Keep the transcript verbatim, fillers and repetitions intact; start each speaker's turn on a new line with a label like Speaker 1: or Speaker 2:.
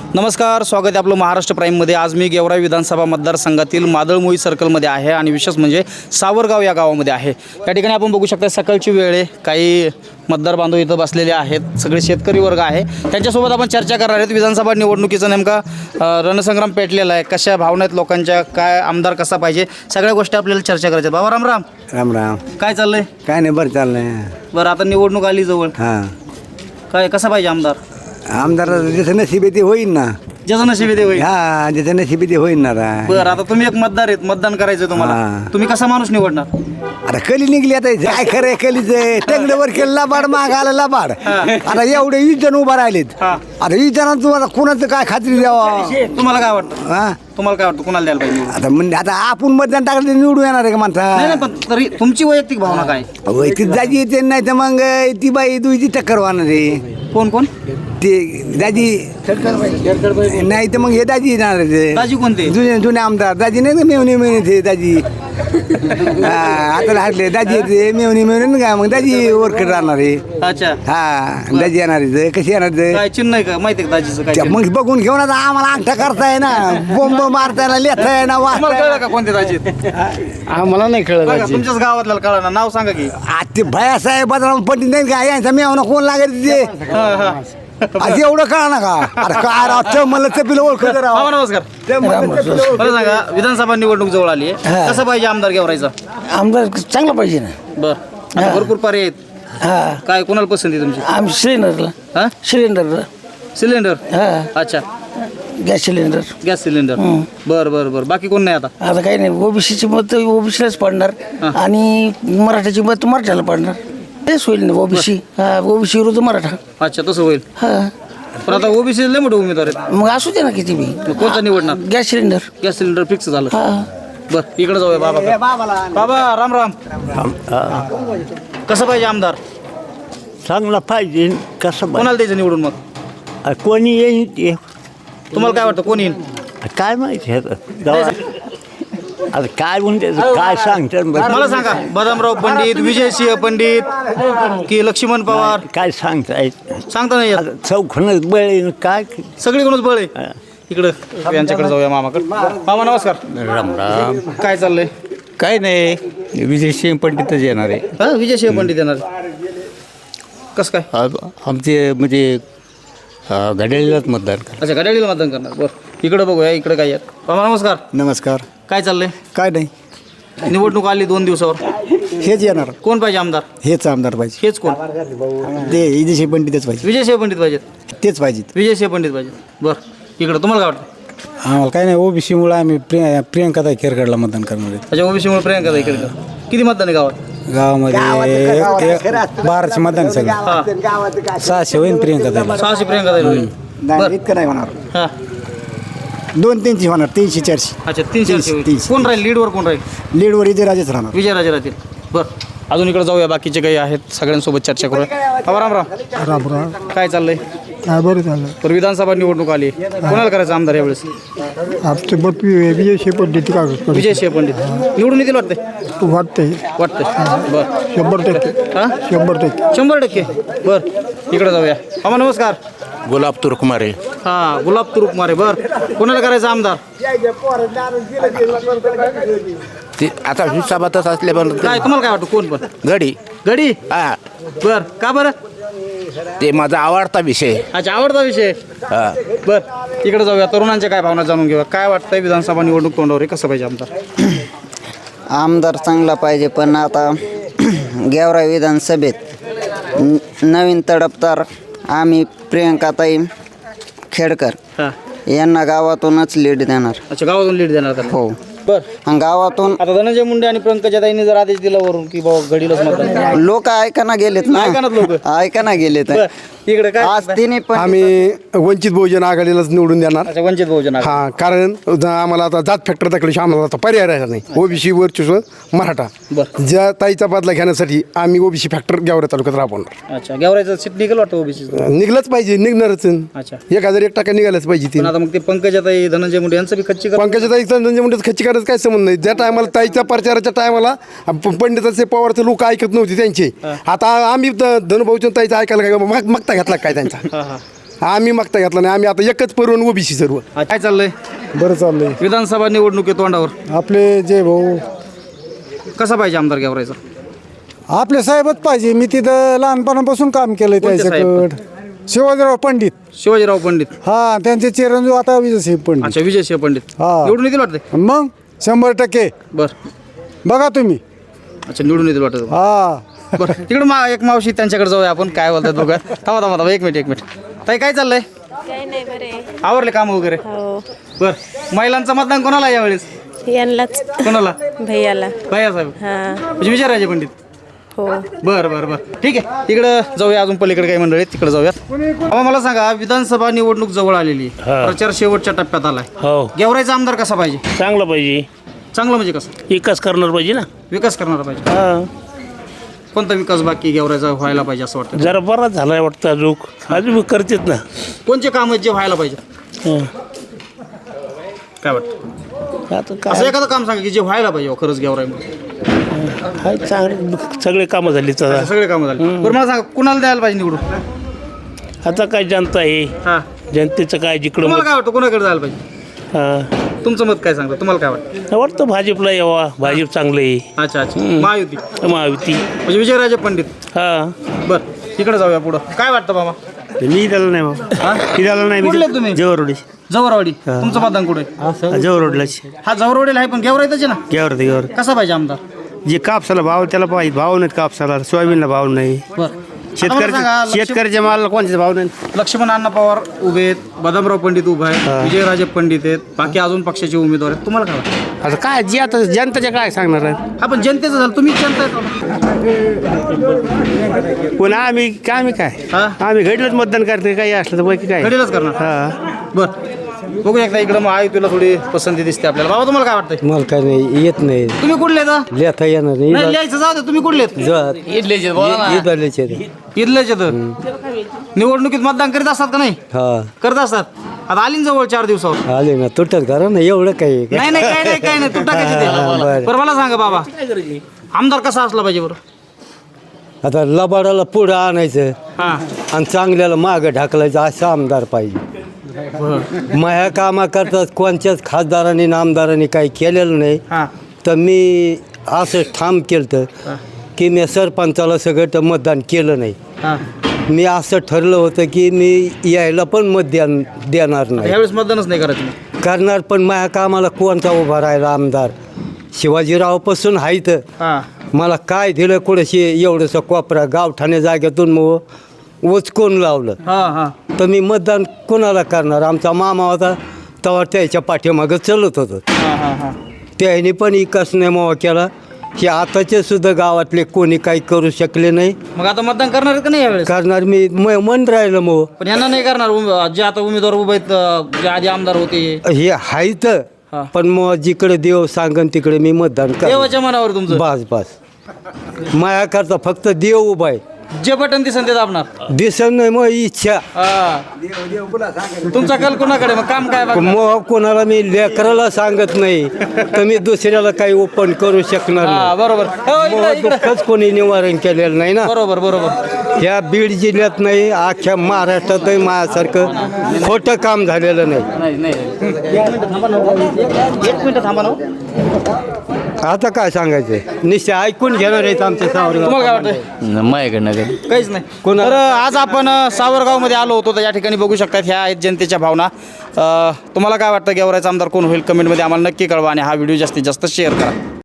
Speaker 1: नमस्कार, स्वागत आहे आपलं महाराष्ट्र प्राईममध्ये. आज मी गेवराई विधानसभा मतदारसंघातील मादळमोई सर्कलमध्ये आहे आणि विशेष म्हणजे सावरगाव या गावामध्ये आहे. या ठिकाणी आपण बघू शकता सकाळची वेळ आहे. काही मतदार बांधव इथं बसलेले आहेत. सगळे शेतकरी वर्ग आहे. त्यांच्यासोबत आपण चर्चा करणार आहेत. विधानसभा निवडणुकीचा नेमका अ, रणसंग्राम पेटलेला आहे. कशा भावना आहेत लोकांच्या, काय आमदार कसा पाहिजे, सगळ्या गोष्टी आपल्याला चर्चा करायच्या. बाबा राम राम.
Speaker 2: राम राम.
Speaker 1: काय चाललंय?
Speaker 2: काय नाही, बरं चाललंय.
Speaker 1: बरं, आता निवडणूक आली जवळ.
Speaker 2: हां,
Speaker 1: काय कसा पाहिजे आमदार?
Speaker 2: आमदार ज्याचं नशीब आहे ते होईल ना.
Speaker 1: ज्याचं नशीब आहे ते होईल.
Speaker 2: हा, ज्याचं नशीब आहे ते होईल ना. रा.
Speaker 1: बरं, आता तुम्ही एक मतदार आहेत, मतदान करायचं तुम्हाला.
Speaker 2: हां.
Speaker 1: तुम्ही कसा माणूस निवडणार?
Speaker 2: आता कली निघली, आता काय खरं आहे कलीच. टंगडवर केलं लबाड, माग आलं लबाड. आता एवढे वीस जण उभा राहिलेत.
Speaker 1: हां.
Speaker 2: आता वीस जणांना तुम्हाला कोणाचं काय खात्री द्यावा?
Speaker 1: तुम्हाला काय वाटतं?
Speaker 2: हा,
Speaker 1: तुम्हाला काय वाटतं कोणाला द्यायला पाहिजे?
Speaker 2: आता म्हणजे आता आपण मतदान टाकलं निवडून येणार आहे का
Speaker 1: नाही
Speaker 2: माणसा?
Speaker 1: नाही, पण तरी तुमची वैयक्तिक भावना काय?
Speaker 2: ती दाजी येते, नाही तर मग ती बाई दुईची टक्कर होणार आहे.
Speaker 1: कोण कोण?
Speaker 2: ते दाजी नाही तर मग हे दाजी येणार आहे.
Speaker 1: दाजी कोणते?
Speaker 2: जुने जुने आमदार दाजी नाही का, मेवणी मेवणी ते दाजी. हा, आता हटले दाजी येते, मेवणी मेवणी का, मग दाजी वरकड राहणार आहे.
Speaker 1: अच्छा,
Speaker 2: हा, दाजी येणार आहे. कशी येणार ते?
Speaker 1: काय चिन्ह आहे का माहिती आहे का दाजीचं काय
Speaker 2: त्या
Speaker 1: चिन्ह?
Speaker 2: मग बघून घेऊन आता आम्हाला अंगठा करताय ना, बोंब मारताय ना, लेताय ना,
Speaker 1: तुम्हाला
Speaker 2: वाचताय
Speaker 1: कळलं का कोणते दाजी आहेत?
Speaker 3: आम्हाला नाही कळलं
Speaker 1: बघा,
Speaker 3: दाजी.
Speaker 1: तुमच्याच गावातल्या कळलं ना, नाव सांगा की.
Speaker 2: आज ते भयासाहेब बदराम पंडित नाही का, यांचा मेवना कोण लागेल ते?
Speaker 1: हा, हा.
Speaker 2: आज एवढं कळा ना का? अरे काय राव, चमल चपिलं ओळखत राव.
Speaker 1: बाबा नमस्कार. मला सांगा, विधानसभा निवडणूक जवळ आली आहे, कसं पाहिजे आमदार गेवरायचा?
Speaker 3: आमदार चांगला पाहिजे ना.
Speaker 1: बर, आता भरपूर पर्याय आहेत.
Speaker 3: हा,
Speaker 1: काय कोणाला पसंती आहे तुमची?
Speaker 3: आम्ही सिलेंडरला
Speaker 1: हा,
Speaker 3: सिलेंडरला
Speaker 1: सिलेंडर.
Speaker 3: हा,
Speaker 1: अच्छा,
Speaker 3: गॅस सिलेंडर.
Speaker 1: Gas cylinder. बर बर बर, बाकी कोण नाही आता?
Speaker 3: आता काही नाही, ओबीसीची मत ओबीसीलाच पडणार आणि मराठ्याची मत मराठ्याला पडणार. तेच होईल ना ओबीसी. हा, ओबीसी विरुद्ध मराठा.
Speaker 1: अच्छा, तसं होईल.
Speaker 3: हा,
Speaker 1: पण आता ओबीसी लय मोठे उमेदवार आहेत.
Speaker 3: मग असू दे ना किती बी.
Speaker 1: मग कोणता निवडणार?
Speaker 3: Gas cylinder.
Speaker 1: Gas cylinder fix झालं.
Speaker 3: हा,
Speaker 1: बर, इकडे जाऊया बाबा. बाबा राम राम. कसं पाहिजे आमदार?
Speaker 4: चांगला पाहिजे. कसं
Speaker 1: कोणाला द्यायचं निवडून मग?
Speaker 4: पाहिजे कोणी येईल ते
Speaker 1: तुम्हाला काय वाटतं कोण येईल?
Speaker 4: काय माहिती आहे आता. आता काय म्हणते काय सांगतात
Speaker 1: मला सांगा, बदामराव पंडित, विजयसिंह पंडित की लक्ष्मण पवार?
Speaker 4: काय सांगता येत
Speaker 1: सांगता नाही येत.
Speaker 4: आता चौखनच बळे काय
Speaker 1: सगळीकडूनच बळ आहे. इकडं यांच्याकडे जाऊया मामाकडे. मामा नमस्कार.
Speaker 5: राम राम.
Speaker 1: काय चाललंय?
Speaker 5: काय नाही, विजयसिंह पंडितच येणार आहे.
Speaker 1: हा, विजयसिंह पंडित येणार. कसं काय?
Speaker 5: आ- आमचे म्हणजे अ, घड्याळीलाच मतदान करा.
Speaker 1: अच्छा, घड्याळीला मतदान करणार. बरं, इकडं बघूया. इकडे काय आहेत? मामा नमस्कार.
Speaker 2: नमस्कार.
Speaker 1: काय चाललंय?
Speaker 2: काय नाही,
Speaker 1: निवडणूक आली दोन दिवसावर.
Speaker 2: हेच येणार.
Speaker 1: कोण पाहिजे आमदार?
Speaker 2: हेच आमदार पाहिजे.
Speaker 1: हेच कोण?
Speaker 2: ते विदेशी पंडितच पाहिजे.
Speaker 1: विजयसिंह पंडित पाहिजेत.
Speaker 2: तेच पाहिजेत.
Speaker 1: विजयसिंह पंडित पाहिजेत. बरं, इकडं तुम्हाला काय वाटतं?
Speaker 6: आम्हाला काय नाही, ओबीसीमुळे आम्ही प्रिय प्रियंकाताई खेरगडला मतदान करणार आहे.
Speaker 1: अच्छा, ओबीसीमुळे प्रियंका ताई केळकर. किती मतदान आहे गावात?
Speaker 6: गावामध्ये एक बाराशे मतदान आहे सगळं.
Speaker 1: हा,
Speaker 6: सहाशे होईल प्रियंकाताईला.
Speaker 1: सहाशे प्रियंका ताई होईल.
Speaker 2: नाही, इतकं नाही होणार.
Speaker 1: हा,
Speaker 2: दोन तीनशे होणार, तीनशे चारशे.
Speaker 1: अच्छा, तीनशे
Speaker 2: तीनशे,
Speaker 1: होईल.
Speaker 2: तीनशे.
Speaker 1: कोण राहील लीडवर? कोण राहील?
Speaker 2: लीडवर विजयराजेच राहणार.
Speaker 1: विजयराजे राहतील. बरं, अजून इकडे जाऊया. बाकीचे काही आहेत, सगळ्यांसोबत चर्चा करूया. बाबा राम राम.
Speaker 7: राम राम.
Speaker 1: काय चाललंय?
Speaker 7: काय बरं झालं.
Speaker 1: तर विधानसभा निवडणूक आली, कोणाला करायचं आमदार यावेळेस?
Speaker 7: आमचे मत विजय पद्धती का
Speaker 1: विजयसिंह पंडित निवडून येतील वाटते?
Speaker 7: वाटतंय.
Speaker 1: वाटतंय. बरं,
Speaker 7: शंभर टक्के.
Speaker 1: हा,
Speaker 7: शंभर टक्के.
Speaker 1: शंभर टक्के. बरं, इकडे जाऊया. मामा नमस्कार.
Speaker 5: गुलाब तुरकुमारे.
Speaker 1: हा, गुलाब तुरुप मारे. बरं, कोणाला करायचं आमदार?
Speaker 5: ते आता हिसाबातच असले पण
Speaker 1: काय तुम्हाला काय वाटतं कोण? पण
Speaker 5: घडी
Speaker 1: गडी.
Speaker 5: हा,
Speaker 1: बर, का बरं?
Speaker 5: ते माझा आवडता विषय.
Speaker 1: अच्छा, आवडता विषय.
Speaker 5: हा,
Speaker 1: बर, इकडे जाऊया. तरुणांच्या काय भावना जाणून घेऊया. काय वाटतंय विधानसभा निवडणूक तोंडावर आहे, कसं पाहिजे आमदार?
Speaker 8: आमदार चांगला पाहिजे, पण आता गेवराई विधानसभेत न- नवीन तडफदार आम्ही प्रियंकाताई खेडकर
Speaker 1: हा,
Speaker 8: यांना गावातूनच लीड देणार.
Speaker 1: अच्छा, गावातून लीड देणार का?
Speaker 8: हो,
Speaker 1: बर,
Speaker 8: आणि गावातून
Speaker 1: आता धनंजय मुंडे आणि पंकजाताईंनी जर आदेश दिला वरून की बाबा घडीलाच मतदान करा.
Speaker 8: लोक ऐकाना गेलेत ना.
Speaker 1: ऐकानात लोकं.
Speaker 8: ऐकाना गेलेत.
Speaker 1: बर, इकडे काय?
Speaker 8: आज तिने पण
Speaker 7: आम्ही वंचित बहुजन आघाडीलाच निवडून देणार.
Speaker 1: अच्छा, वंचित बहुजन आघाडी.
Speaker 7: हा, कारण ज- आम्हाला आता जात फॅक्टर दाखवल्याशिवाय आम्हाला आता पर्याय राहिला नाही. ओबीसी वर्चस्व मराठा.
Speaker 1: बरं.
Speaker 7: ज्या ताईचा बदला घेण्यासाठी आम्ही ओबीसी फॅक्टर गेवरा तालुक्यात राबवणार.
Speaker 1: अच्छा, गेवरायचं सीट निघेल वाटतं ओबीसी.
Speaker 7: निघलंच पाहिजे, निघणारच.
Speaker 1: अच्छा,
Speaker 7: एक हजार एक टक्का निघालच पाहिजे ती.
Speaker 1: पण आता मग ते पंकजाताई धनंजय मुंडे यांचं बी खच्ची कर.
Speaker 7: पंकजा ताईचा धनंजय मुंडे खच्ची करायचं काय संबंध नाही. ज्या टायमाला ताईच्या प्रचाराच्या टायमाला पंडिताचे पवारचे लोक ऐकत नव्हते त्यांचे. आता आम्ही ध- धनुभाऊच्या ताईचं ऐकायला काय माग- मागता घेतला काय त्यांचा?
Speaker 1: हा, हा.
Speaker 7: आम्ही मागता घेतला नाही. आम्ही आता एकच परवून ओबीसी सर्व.
Speaker 1: काय चाललंय
Speaker 6: बरं चाललंय.
Speaker 1: विधानसभा निवडणुकी तोंडावर
Speaker 6: आपले जे भाऊ
Speaker 1: कसा पाहिजे आमदार गेवरायचा?
Speaker 6: आपले साहेबच पाहिजे. मी तिथं लहानपणापासून काम केलंय
Speaker 1: कोणते साहेब?
Speaker 6: त्याच्याकडं. शिवाजीराव पंडित.
Speaker 1: शिवाजीराव पंडित.
Speaker 6: हा त्यांचे चिरंजीव आता विजयसिंह पंडित.
Speaker 1: अच्छा, विजयसिंह पंडित
Speaker 6: हा.
Speaker 1: निवडून येतील वाटते.
Speaker 6: मग शंभर टक्के
Speaker 1: बर.
Speaker 6: बघा तुम्ही.
Speaker 1: अच्छा, निवडून येतील वाटत.
Speaker 6: हा
Speaker 1: बरं, तिकडे मा एक मावशी त्यांच्याकडे जाऊया आपण. काय बोलतात बघा. थांबा थांबा थांबा एक मिनिट एक मिनिट ताई, काय चाललंय?
Speaker 9: काही नाही बरे.
Speaker 1: आवरले काम वगैरे?
Speaker 9: हो.
Speaker 1: बर. महिलांचं मतदान कोणाला आहे यावेळेस?
Speaker 9: यांनाच
Speaker 1: कोणाला?
Speaker 9: भैयाला.
Speaker 1: भैया साहेब
Speaker 9: हा.
Speaker 1: म्हणजे विजयराजे पंडित.
Speaker 9: हो.
Speaker 1: बर बर बर ठीक आहे. तिकडं जाऊया, अजून पलीकडे काही मंडळी आहेत तिकडे जाऊयात. अहो, मला सांगा, विधानसभा निवडणूक जवळ आलेली आहे. प्रचार शेवटच्या टप्प्यात आलाय.
Speaker 10: हो,
Speaker 1: गेवरायचा आमदार कसा पाहिजे?
Speaker 10: चांगलं पाहिजे.
Speaker 1: चांगलं म्हणजे कसं?
Speaker 10: विकास करणार पाहिजे ना.
Speaker 1: विकास करणारा पाहिजे.
Speaker 10: हा,
Speaker 1: कोणता विकास बाकी गेवरायचा व्हायला पाहिजे असं वाटतं?
Speaker 10: जरा बराच झालाय वाटतं. अजून अजून करतेत ना.
Speaker 1: कोणचे काम आहेत जे व्हायला पाहिजे?
Speaker 10: हं.
Speaker 1: काय वाटतं?
Speaker 10: आता
Speaker 1: असं
Speaker 10: काय
Speaker 1: एखादं काम सांगा की जे व्हायला पाहिजे हो खरंच गेवराईमध्ये.
Speaker 10: काय चांगले सगळे कामं झाली तर.
Speaker 1: सगळे कामं झाले. बरं, मला सांगा, कुणाला द्यायला पाहिजे निवडून?
Speaker 10: आता काय जनता आहे,
Speaker 1: हा,
Speaker 10: जनतेचं काय जिकडं
Speaker 1: तुम्हाला
Speaker 10: मत.
Speaker 1: काय वाटतं कोणाकडे जायला पाहिजे?
Speaker 10: हा,
Speaker 1: तुमचं मत काय सांगतं? तुम्हाला काय वाटतं?
Speaker 10: वाटतं भाजपला यावा. भाजप चांगलं आहे.
Speaker 1: अच्छा अच्छा, महायुती
Speaker 10: महायुती.
Speaker 1: म्हणजे विजयराजे पंडित.
Speaker 10: हा,
Speaker 1: बरं, तिकडे जाऊया पुढं. काय वाटतं बाबा?
Speaker 10: मी त्याला नाही बाबा.
Speaker 1: हा?
Speaker 10: मी त्याला नाही.
Speaker 1: कुठले आहेत तुम्ही?
Speaker 10: जवळरोडी.
Speaker 1: जवळवाडी. तुमचं मतदान कुठे?
Speaker 10: जवळरोडलाच.
Speaker 1: हा, जवळवाडीला आहे, पण गेवराईतच आहे ना.
Speaker 10: घ्यावर ते घ्यावर.
Speaker 1: कसा पाहिजे आमदार?
Speaker 10: जे कापसाला भाव त्याला पाहिजे. भाव नाहीत कापसाला. सोयाबीनला भाव नाही.
Speaker 1: बरं.
Speaker 10: शेतकऱ्याच्या शेतकऱ्याच्या मालाला कोणत्याचा भाव नाही.
Speaker 1: लक्ष्मण अण्णा पवार उभे आहेत, बदामराव पंडित उभा आहे, विजयराजे पंडित आहेत, बाकी अजून पक्षाचे उमेदवार आहेत. तुम्हाला काय वाटतं?
Speaker 10: आता काय जे आता जनताच्या काय सांगणार आहे.
Speaker 1: हा, पण जनतेचं झालं, तुम्ही जनता आहेत.
Speaker 10: पुन्हा आम्ही काय आम्ही काय
Speaker 1: हा?
Speaker 10: आम्ही घडलंच मतदान करते. काही असलं तर बाकी काय.
Speaker 1: घडीलाच करणार.
Speaker 10: हा,
Speaker 1: बरं, बघू एकदा इकडं. मग आहे तुला थोडी पसंती दिसते आपल्याला. बाबा, तुम्हाला काय वाटतंय?
Speaker 6: मला काय नाही येत नाही.
Speaker 1: तुम्ही कुठले आहेत?
Speaker 6: लिहिता येणार
Speaker 1: नाही, लिहायचं जाऊ दे. तुम्ही कुठले आहेत? इथलेच आहेत. निवडणुकीत मतदान करीत असतात का नाही?
Speaker 6: हा
Speaker 1: करत असतात. आता आली ना जवळ चार दिवसावर.
Speaker 6: आले ना तुटत करा ना एवढं काही.
Speaker 1: नाही नाही काय नाही काय नाही तू टाकायची ते. बरं, मला सांगा बाबा, आमदार कसा असला पाहिजे बरं?
Speaker 6: आता लबाडाला पुढं आणायचं
Speaker 1: हा,
Speaker 6: आणि चांगल्याला मागं ढकलायचं असं आमदार पाहिजे. माया कामा करतात कोणत्याच खासदारांनी आमदारांनी काही केलेलं नाही.
Speaker 1: हा,
Speaker 6: तर मी असं ठाम केलं की मी सरपंचाला सगळं मतदान केलं नाही.
Speaker 1: हा.
Speaker 6: मी असं ठरलं होतं की मी यायला पण मतदान देणार नाही.
Speaker 1: यावेळेस मतदानच नाही करायचं.
Speaker 6: करणार पण माझ्या कामाला कोणता उभा राहिला आमदार? शिवाजीरावपासून आहे तर
Speaker 1: हा,
Speaker 6: मला काय दिलं कुठेशी एवढंसं कोपरा गावठाणे जागेतून मग उचकून लावलं.
Speaker 1: हा, हा.
Speaker 6: तर मी मतदान कोणाला करणार? आमचा मामा होता तेव्हा त्याच्या पाठीमागं चलत होतं.
Speaker 1: हा, हा, हा.
Speaker 6: त्याने पण विकास नेमावा केला. हे आताचे सुद्धा गावातले कोणी काही करू शकले नाही.
Speaker 1: मग आता मतदान करणार आहेत का नाही यावेळेस?
Speaker 6: करणार मी म- मन राहिलं मग.
Speaker 1: पण यांना नाही करणार. उम- जे आता उमेदवार उभे आहेत, अं, जे आधी आमदार होते.
Speaker 6: हे आहेत
Speaker 1: हा.
Speaker 6: पण मग जिकडे देव सांगन तिकडे मी मतदान कर.
Speaker 1: देवाच्या मनावर तुमचं.
Speaker 6: बस बस माया करता फक्त देव उभा आहे.
Speaker 1: जे बटन दिसन ते दाबणार.
Speaker 6: दिसन नाही मग इच्छा.
Speaker 1: हा. तुमचा कल कोणाकडे? मग काम काय बघणार?
Speaker 6: मग कोणाला मी लेकराला सांगत नाही तर मी दुसऱ्याला काही ओपन करू शकणार
Speaker 1: हा,
Speaker 6: नाही.
Speaker 1: बरोबर. हो, इकडं-
Speaker 6: मग
Speaker 1: इकडं.
Speaker 6: दुःखच कोणी निवारण केलेलं नाही ना.
Speaker 1: बरोबर बरोबर.
Speaker 6: ह्या बीड जिल्ह्यात नाही अख्ख्या महाराष्ट्रातही माझ्यासारखं खोटं काम झालेलं नाही.
Speaker 1: नाही नाही एक मिनिट थांबा ना. एक- एक मिनिट थांबा ना.
Speaker 6: आता काय सांगायचं? निश्चय ऐकून घेणार आहेत आमच्या सावरगाव.
Speaker 1: तुम्हाला काय वाटतंय?
Speaker 4: माझ्याकडनं काही
Speaker 1: काहीच नाही. तर आज आपण अ, सावरगावमध्ये आलो होतो. तर या ठिकाणी बघू शकतात ह्या आहेत जनतेच्या भावना. अ, तुम्हाला काय वाटतं गेवरायचा आमदार कोण होईल? कमेंटमध्ये आम्हाला नक्की कळवा आणि हा व्हिडिओ जास्तीत जास्त शेअर करा.